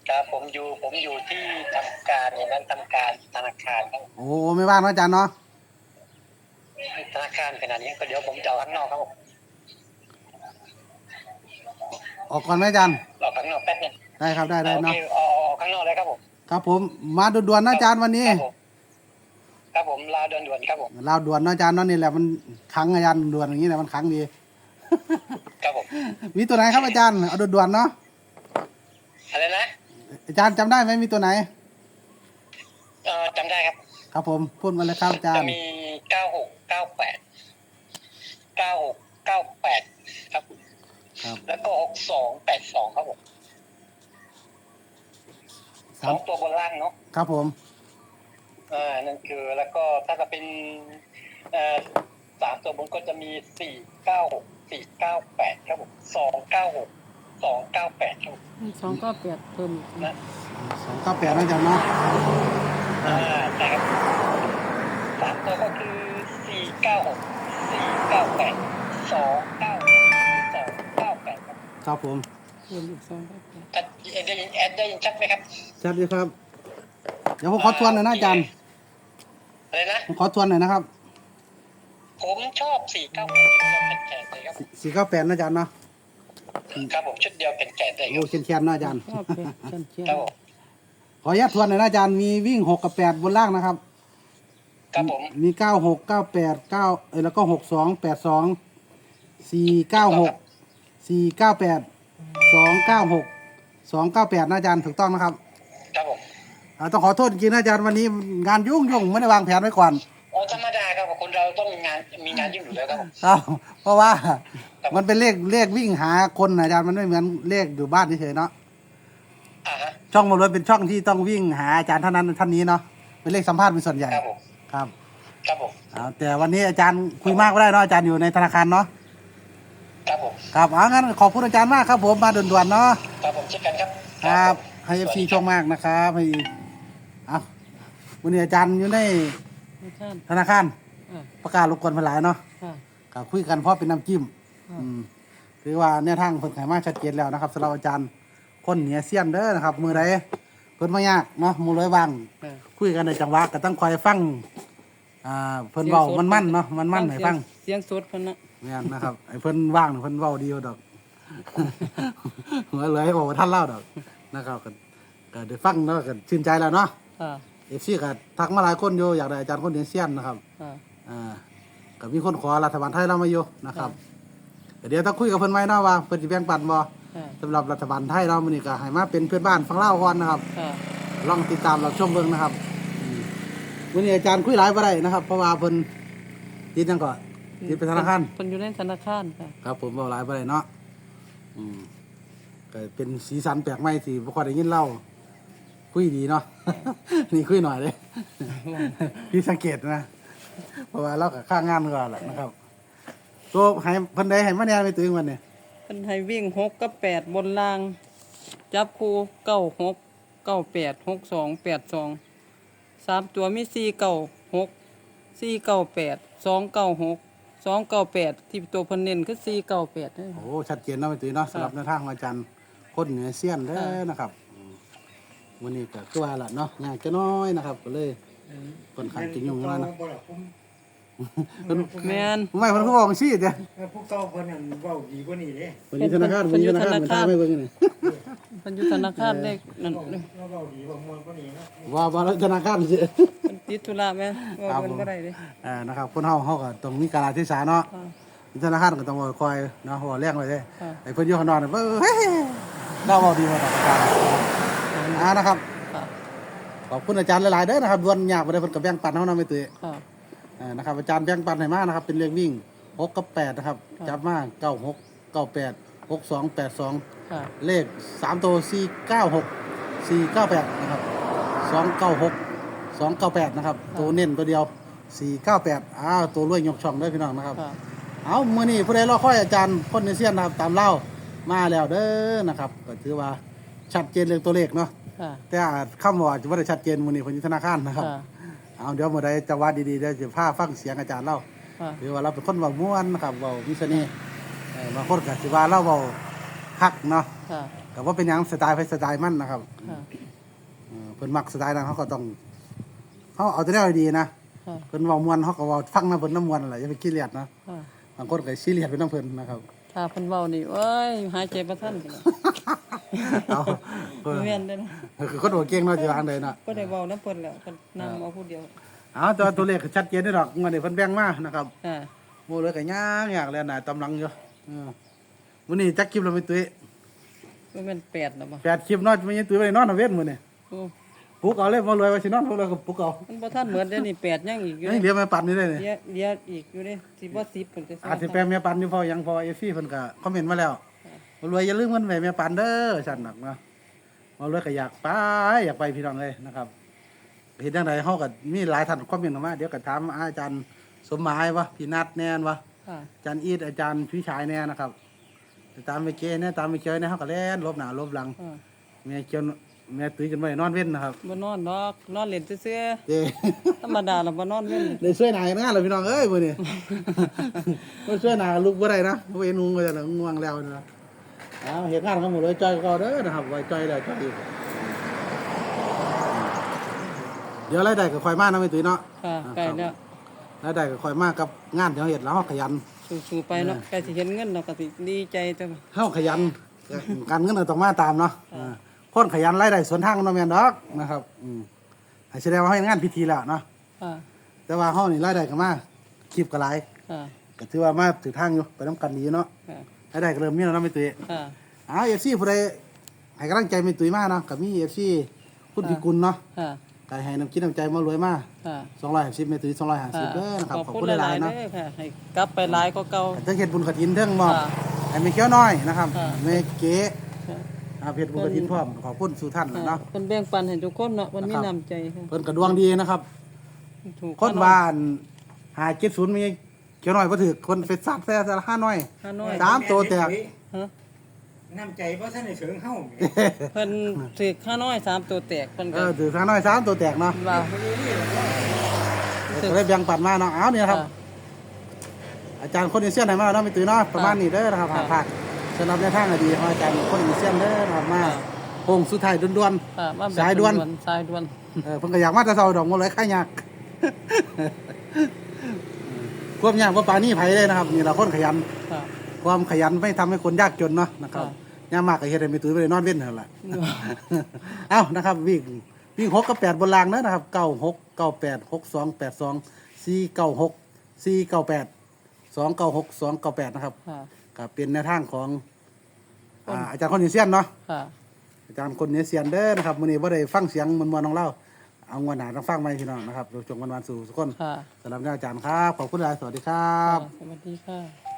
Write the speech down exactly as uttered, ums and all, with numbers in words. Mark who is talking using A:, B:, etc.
A: ครับผมอยู่ผมอยู่ที่ทำการในนั้นทำการธนาคารครับ
B: โอ้ไม่ว่างนะอาจารย์เนาะ
A: ธนาคารขนาดนี้ก็เดี๋ยวผมจะออกข้างนอกครับผม
B: ออกก่อนไหมอาจารย์
A: ออกข้างนอกแป๊บนึง
B: ได้ครับได้ได้
A: โอเค
B: เนาะ
A: ออกออกข้างนอกเลยครับผม
B: ครับผมมาด่วนๆนะอาจารย์วันนี้
A: ครับผมครับผมลาด่วนๆครับผม
B: เราด่วนนะอาจารย์เนาะนี่แหละมันขังอาจารย์ด่วนอย่างนี้แหละมันขังดี
A: ครับผม
B: มีตัวไหนครับอาจารย์เอาด่วนๆเนาะ
A: อะไรนะ
B: อาจารย์จำได้ไหมมีตัวไหน
A: เอ่อจำได้ครับ
B: ครับผมพูดมาเลยครับอาจารย์
A: จะมีเก้าหกเก้าแปดเก้าหกเก้าแปดครับ
B: ครับ
A: แล้วก็หกสองแปดสองครับผมสองตัวบนล่างเนาะ
B: ครับผม
A: อ่านั่นคือแล้วก็ถ้าจะเป็นเอ่อสามตัวบนก็จะมีสี่เก้าหกสี่เก้าแปดครับผมสองเก้าหกสองเก้าแปดครับผม
C: สองก็เปลี่ยนเพิ่มอีก
A: นะ
B: สองเก้าแปดนะอาจารย์เนาะ
A: อ่าใช่ครับสามตัวก็คือสี่เก้าหกสี่เก้าแปดสองเก้าสองเก้าแปดครับ
B: ครับผม
C: เพิ่มอีกสองก็เปลี่ยน
A: ชัดได้ยินแอดได้ยินชัดไหมครับ
B: ชัดดีครับเดี๋ยวผมขอทวนหน่อยนะอาจารย์
A: อะไรนะ
B: ผมขอทวนหน่อยนะครับ
A: ผมชอบสี่เก้าแปดชุดเดียวแขนๆเลยครับ
B: สี่เก้าแปดนะอาจารย์เนาะ
A: ครับผมชุดเดียวแขนๆเลยค
B: โอ้
A: รับ
B: เขียนเขียนนะอาจารย์
C: ก็เปลี่ยนเช่นเช่น
A: ครับผม
B: ขออนุญาตทวนหน่อยนะอาจารย์มีวิ่งหกกับแปดบนล่างนะครับ
A: ครับผม
B: มีเก้าหกเก้าแปดเก้าเออแล้วก็หกสองแปดสองสี่เก้าหกสี่เก้าแปดสองเก้าหกสองเก้าแปดนะอาจารย์ถูกต้องนะครับ
A: ครับผม
B: อ่าต้องขอโทษจริงๆนะอาจารย์วันนี้งานยุ่งยุ่งไม่ได้วางแผนไว้ก่อน
A: อ๋อธรรมดาครับคนเราต้องมีงานมีงานยุ่งอยู่แล้วครับผม
B: ครับเพราะว่ามันเป็นเลขเลขวิ่งหาคนนะอาจารย์มันไม่เหมือนเลขอยู่บ้านเฉยๆเนาะ
A: อ่าฮะ
B: ช่องมารวยเป็นช่องที่ต้องวิ่งหาอาจารย์เท่านั้นท่านนี้เนาะเป็นเลขสัมภาษณ์เป็นส่วนใหญ่
A: ครับผม
B: ครับ
A: ครับผม
B: เอาแต่วันนี้อาจารย์คุยมากก็ได้เนาะอาจารย์อยู่ในธนาคารเนาะ
A: ครับผม
B: ครับเอางั้นขอบคุณอาจารย์มากครับผมมาด่วนๆเนาะ
A: ครับผมเช่นกันครับ
B: ครับให้เอฟซีโชคมากนะครับให้เอาวันนี้อาจารย์อยู่ใน
C: ไม่ใช่
B: ธนาคาร
C: อ่า
B: ประกาศรบกวนมาหลายเนาะ
C: ค่ะ
B: ครับคุยกันเพราะเป็นน้ำจิ้ม
C: อ่า
B: อืมถือว่าแนวทางเพิ่นไขมาชัดเจนแล้วนะครับสำหรับอาจารย์คนเหนือเซียนเด้อนะครับ มือใดเพิ่นไม่ยากเนาะมือร้อยวาง
C: อ่า
B: คุยกันในจังหวะก็ต้องคอยฟังอ่าเพิ่นเว้ามันมั่นๆเนาะมันมั่นให้ฟัง
C: เสียงสดเพิ่นนะ
B: แม่นนะครับไอ้เพิ่นว่างนี่เพิ่นเว้าดีอยู่ดอก หัวเลยบอกว่าท่านเล่าดอกนะครับก็ก็ได้ฟังแล้วก็ชื่นใจแล้วเนาะ
C: ค่ะ
B: เอฟซีก็ทักมาหลายคนอยู่อยากได้อาจารย์คนเหนือเซียนนะครับ
C: ค่ะ
B: อ่าก็มีคนขอรัฐบาลไทยเรามาอยู่นะครับก็เดี๋ยวต้องคุยกับเพิ่นไว้เนาะว่าเพิ่นสิแบ่งปันบ่
C: ค่ะ
B: สำหรับรัฐบาลไทยเรามื้อนี้ก็ให้มาเป็นเพื่อนบ้านฟังเล่าวก่อนนะครับ
C: ค่ะ
B: ลองติดตามรับชมเบิ่งนะครับอืมมื้อนี้อาจารย์คุยหลายบ่ได้นะครับ เพราะว่าเพิ่นติดจังก่อนติดไปธนาคาร
C: เพิ่นอยู่ในธนาคารค่ะ
B: ครับผมเว้าหลายบ่ได้เนาะอืมก็เป็นสีสันแปลกใหม่สิบ่ค่อยได้ยินเล่าคุยดีเนาะ นี่คุยหน่อยเด้ พี่สังเกตนะ เพราะว่าเราก็ข้างงานก่อนแหละนะครับตัวให้เพิ่นได้ให้มาแหน่ไปตึงวันนี้
C: เพิ่นให้วิ่งหกกับแปดบนล่าง จับคู่เก้าหกเก้าแปดหกสองแปดสองสามตัวมีสี่เก้าหกสี่เก้าแปดสองเก้าหกสองเก้าแปดที่ตัวเพิ่นเน้นคือสี่เก้าแปด
B: โอ้ชัดเจนเนาะไปตึงเนาะสำหรับแนวทางของอาจารย์คนเหนือเซียนเด้อนะครับอืมวันนี้ก็คือว่าล่ะเนาะยากจะน้อยนะครับ ก็เลยค่อนข้างจะยุ่งแล้วนะเพิ่น
C: แม่น
B: ไม่เพิ่นก็บอกจังซี่เด้อ
D: พวกเก่าเพิ่นนั่นเว้าดีกว่านี้เด้
B: เพิ่นอยู่ธนาคารเพิ่นอยู่ธนาคารเหมือนทางไม่เบิ่งนี่
C: เพิ่นอยู่ธนาคารเลขนั่น
D: เราเว้าดีกว่าม่วนกว่านี้เนาะ
B: ว่าว่าแล้วธนาคารสิ
C: เพิ่นติดธุระแม่นว่าเพิ่นบ่ได้เด้
B: อ่านะครับคนเฮาเฮาก็ต้องมีกาลเทศะเนาะ
C: ค่ะ
B: ธนาคารก็ต้องคอยเนาะหัวแรงไว้เด้
C: ค่ะ
B: ไอ้เพิ่นอยู่ข้างนอกน่ะเบ้อเฮ้ยเราเว้าดีมาตลอดการอ่านะครับ
C: ค่ะ
B: ขอบคุณอาจารย์หลายๆเด้อนะครับดวนยากบ่ได้เพิ่นก็แบ่งปันเฮานำไปตื้อ
C: ค่ะ
B: อ่านะครับอาจารย์แบ่งปันให้มานะครับเป็นเลขวิ่งหกกับแปดนะครับ
C: ค่ะ
B: จับมาเก้าหก เก้าแปด หกสอง แปดสอง
C: ค่ะ
B: เลขสามตัวสี่เก้าหก สี่เก้าแปดนะครับสองเก้าหก สองเก้าแปดนะครับตัวเน้นตัวเดียวสี่เก้าแปดอ้าวตัวรวยยกช่องเด้อพี่น้องนะครับ
C: ค่ะ
B: เอามื้อนี้ผู้ใดรอคอยอาจารย์คนในเซียนนะครับตามเล่ามาแล้วเด้อนะครับก็ถือว่าชัดเจนเรื่องตัวเลขเนาะ
C: ค่ะ
B: แต่อาจคำว่าจะบ่ได้ชัดเจนมื้อนี้เพิ่นอยู่ธนาคารนะครับ
C: ค่ะ
B: เอาเดี๋ยวมื้อใดจังหวะดีๆเดี๋ยวจะพาฟังเสียงอาจารย์เล่า
C: ค่ะ
B: หรือว่าเราเป็นคนเว้าม่วนนะครับเว้ามีเสน่ห์เออบางคนก็สิว่าเราเว้าคักเนาะ
C: ค่ะ
B: ก็ว่าเป็นหยังสไตล์ไปสไตล์มันนะครับ
C: ค่ะ
B: เออเพิ่นมักสไตล์นั้นเขาก็ต้องเขาเอาแต่แนวดีๆนะ
C: ค่ะ
B: เพิ่นเว้ามวนเขาก็เว้าฟังนะเพิ่นน้ำมวนนั่นแหละอย่าไปขี้เลียดนะ
C: ค่ะ
B: บางคนก็ซีเรียสเป็นน้ำเพิ่นนะครับ
C: ถ้าเพิ่นเว้านี่เอ้ยหายใจบ่ทัน
B: เอาเออ
C: แม่นเด้อนะ
B: คือคนหัวเก่งเนาะจะวางเลยเนาะ
C: บ่ได้เว้านํเพิ่นแล้วเพิ่นนำเอาผู้เดียว
B: เอาแต่ว่าตัวเลขก็ชัดเจนได้ดอกเงินเดี๋ยวเพิ่นแบ่งมานะครับ
C: ค่ะ
B: โมเลยก็ยากยากแล้วน่ะตำลังอยู่เออมื้อนี้จักคลิปเราไปตุ้ย
C: บ่แม่นแปดแล้วบ่
B: แปดคลิปเนาะไม่ยังตุ้ยไปนอนเอาเวทมื้อนี้
C: โอ้
B: ปลุกเอาเลยบ่รวยว่าสินอนบ่รวยก็ปลุกเอา
C: มันบ่ทันเหมือนเดี๋ยวนี้แปดยังอีกอยู่
B: ยังเหลือแม่ปันนี่ได้นี่
C: เดี๋ยวเดี๋ยวอีกอยู่เด้สิบ่สิบเพิ่นก็
B: อาจสิแปลแม่ปันอยู่พอยังพอ เอฟ ซี เพิ่นก็คอมเมนต์มาแล้วบ่รวยอย่าลืมเงินไว้แม่ปันเด้อซั่นนักเนาะบ่รวยก็อยากไปอยากไปพี่น้องเอ้ยนะครับเฮ็ดจังไดเฮาก็มีหลายท่านคอมเมนต์เข้ามาเดี๋ยวก็ถามอาจารย์สมหมายวะพี่นัทแน่นวะ
C: ค่ะ
B: อาจารย์อีทอาจารย์พี่ชายแน่นะครับตามไปเกเนี่ยตามไปเกยเนี่ยเขาก็แล่นลบหน้าลบหลัง
C: ค่ะ
B: แม่เกียวแม่ตุ้ยกันไว้นอนเว้นนะครับ
C: บ่นอนดอกนอนเล่นซื่อ
B: เจ้
C: ๆธรรมดาแล้วบ่นอนเว้น
B: เลยช่วยหนากันงานเลยพี่น้องเอ้ยมื้อนี้ บ่ช่วยหนาลูกบ่ได้นะบ่เห็นงงก็จะง่วงแล้วนะเอาเฮ็ดงานกันหมดเลยจอยก็เด้อนะครับไว้จอยแล้วจอยอีกเดี๋ยวรายได้ก็ค่อยมานะแม่ตุ้ยเนาะ
C: ค่ะใกล้แล้ว
B: รายได้ก็ค่อยมากับงานที่เฮาเฮ็ดแล้วเฮาขยัน
C: สู้ๆไปเนาะใกล้สิเห็นเงินเราก็สิดีใจจัง
B: เฮาขยัน การเงินก็ต้องมาตามเนาะอ่าคนขยันรายได้สวนทางกันเนาะแม่นดอกนะครับอืมให้แสดงว่าเฮาเฮ็ดงานพิธีแล้วเนาะ
C: ค่ะ
B: แต่ว่าเฮานี่รายได้ก็มาคลิปก็หลาย
C: ค่ะ
B: ก็ถือว่ามาถือทางอยู่ไปนํกันดีเนาะ
C: ค่ะ
B: รายได้ก็เริ่มมีแล้วเนาะแม่ตุ้ย
C: ค่ะ
B: อ้าว เอฟ ซี ผู้ใดให้กำลังใจแม่ตุ้ยมาเนาะก็มี เอฟ ซี คุณพิกุลเนาะ
C: ค่ะ
B: ก็ให้น้ำคิดน้ำใจมารวยมา
C: ค่ะ
B: สองร้อยห้าสิบแม่ตุ้ยสองร้อยห้าสิบเด้อนะครับ
C: ขอบ
B: ขอบ
C: คุ
B: คุณ ณห
C: ห
B: ลา
C: ลาย ย
B: ๆ
C: ๆ
B: เนาะ
C: เด้อค่ะให้กลับไปหลายกว่าเก่า
B: เทิงเฮ็ดบุญกฐินเทิงมอบ
C: ค่ะ
B: ให้แม่เขียวน้อยนะครับ
C: ค่ะ
B: แม่เก๋
C: ค่ะ
B: อาเฮ็ดบุญกฐินพร้อมขอบคุณสู่ท่าน
C: ค่ะ
B: เนาะ
C: เพิ่นแบ่งปันให้ทุกคนเนาะมันมี
B: นะครับ
C: น้ำใจค่ะ
B: เพิ่นก็ดวงดีนะครับ
C: ถูก
B: คนว่าอันหาเจ็ดศูนย์มีเขียวน้อยบ่ถือคนไปซัดแซ่ซะละห้าน้อย
C: ฮาน้อย
B: สามตัวแตก
C: ฮะ
D: น้ำใจเพราะท่านในเสริงเฮ้า
C: เพิ่นถือข้าน้อยสามตัวแตกเพิ่น
B: เอ
C: ก็
B: อถือห้าน้อยสามตัวแตกเนาะ
C: ว่า
B: ก็เลยแบ่งปันมาเนาะเอาเนี่ยครับ
C: ค่ะ
B: อาจารย์คนอินเซียนไหนมาเนาะไม่ตื่นเนาะประมาณนี้เด้อนะครับ
C: ค่ะ
B: ผ่านผ่านสำหรับในทางอดีตของอาจารย์คนอินเซียนเด้อนะครับมา
C: ค่ะ
B: โค้งสุดท้ายด่วน
C: ค่ะมาแบบ
B: สายด่วน
C: สายด่วน
B: ๆเออเพิ่นก็อยากมาแต่เช้าดอกบ่เลยค่ายาก ความยากบ่ปานนี้ไผเลยนะครับนี่เราคนขยัน
C: ค่ะ
B: ความขยันไม่ทำให้คนยากจนเนาะนะครับ
C: ค่ะ
B: ยามมากก็เฮ็ดให้ไม่ตื่นไปนอนเว้นนั่นแหละ เอ้านะครับวิ่งวิ่งหกกับแปดบนรางเนอะนะครับเก้าหกเก้าแปดหกสองแปดสองสี่เก้าหกสี่เก้าแปดสองเก้าหกสองเก้าแปดนะครับ
C: ค่ะ
B: ก็เป็นแนวทางของอ่าอาจารย์คนอินเซียนเนาะ
C: ค่ะ
B: อาจารย์คนอินเซียนเด้อนะครับมื้อนี้บ่ได้ฟังเสียงมวนๆของเราเอางวนหน้าต้องฟังใหม่พี่น้องนะครับเราจงวันๆสู่ทุกคน
C: ค่ะ
B: สำหรับอาจารย์ครับขอบคุณหลายสวัสดีครับ
C: สวัสดีค่ะ